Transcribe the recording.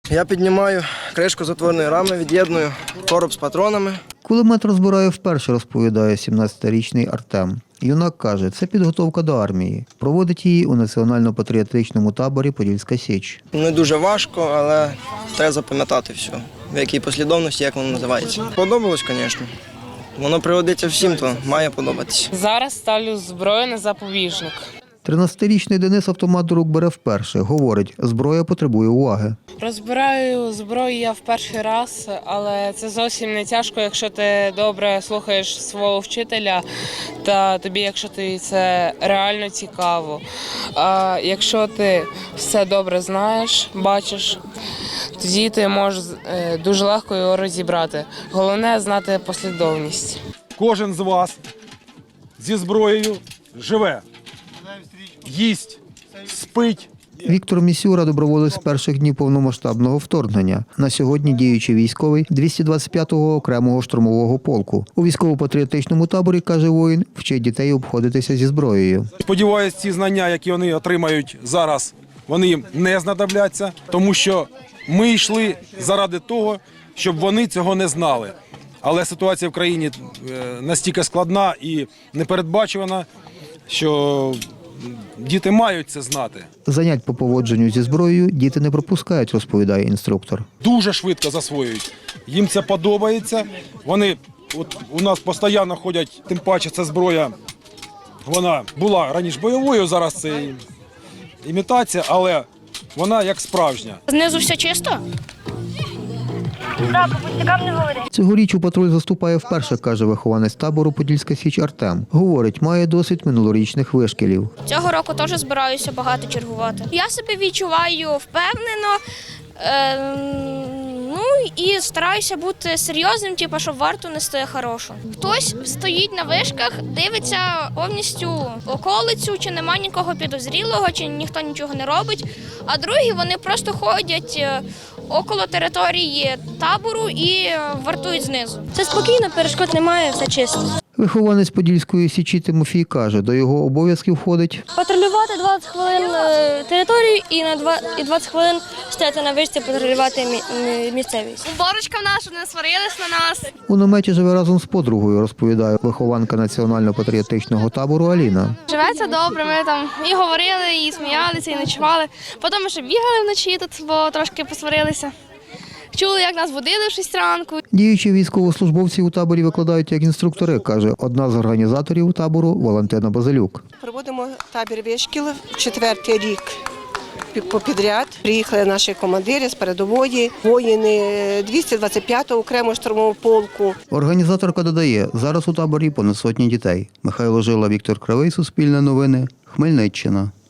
Я піднімаю кришку затворної рами, від'єдную короб з патронами. Кулемет розбирає вперше, розповідає 17-річний Артем. Юнак каже, це підготовка до армії. Проводить її у національно-патріотичному таборі «Подільська Січ». Не дуже важко, але треба запам'ятати все, в якій послідовності, як воно називається. Подобалось, звісно. Воно пригодиться всім, то має подобатися. Зараз ставлю зброю на запобіжник. 13-річний Денис автомат до рук бере вперше. Говорить, зброя потребує уваги. Розбираю зброю я в перший раз, але це зовсім не тяжко, якщо ти добре слухаєш свого вчителя та тобі, якщо тобі це реально цікаво. А якщо ти все добре знаєш, бачиш, тоді ти можеш дуже легко його розібрати. Головне – знати послідовність. Кожен з вас зі зброєю живе, їсть, спить. Віктор Місюра – доброволець з перших днів повномасштабного вторгнення. На сьогодні діючий військовий 225-го окремого штурмового полку. У військово-патріотичному таборі, каже воїн, вчить дітей обходитися зі зброєю. Сподіваюсь, ці знання, які вони отримають зараз, вони їм не знадобляться, тому що ми йшли заради того, щоб вони цього не знали. Але ситуація в країні настільки складна і непередбачувана, що діти мають це знати. Занять по поводженню зі зброєю діти не пропускають, розповідає інструктор. Дуже швидко засвоюють. Їм це подобається. Вони от у нас постійно ходять, тим паче ця зброя, вона була раніше бойовою, зараз це імітація, але вона як справжня. Знизу все чисто? Так, по пустякам не говори. Цьогоріч у патруль заступає вперше, каже вихованець табору «Подільська Січ» Артем. Говорить, має досвід минулорічних вишкілів. Цього року теж збираюся багато чергувати. Я себе відчуваю впевнено, і стараюся бути серйозним, щоб варту нести хорошу. Хтось стоїть на вишках, дивиться повністю околицю, чи нема нікого підозрілого, чи ніхто нічого не робить, а другі вони просто ходять около території табору і вартують знизу. Це спокійно, перешкод немає, все чисто. Вихованець Подільської Січі Тимофій каже, до його обов'язків входить Патрулювати 20 хвилин територію і 20 хвилин стояти на вишці, патрулювати місцевість. Уборочка в нас, щоб не сварились на нас. У наметі живе разом з подругою, розповідає вихованка національно-патріотичного табору Аліна. Живеться добре, ми там і говорили, і сміялися, і ночували. Потім ми ще бігали вночі тут, бо трошки посварилися. Чули, як нас будили в 6 ранку. Діючі військовослужбовці у таборі викладають як інструктори, каже одна з організаторів табору Валентина Базилюк. Проводимо табір вишкіл 4-й рік попідряд. Приїхали наші командири з передової, воїни 225-го окремого штурмового полку. Організаторка додає, зараз у таборі понад 100 дітей. Михайло Жила, Віктор Кривий, Суспільне новини, Хмельниччина.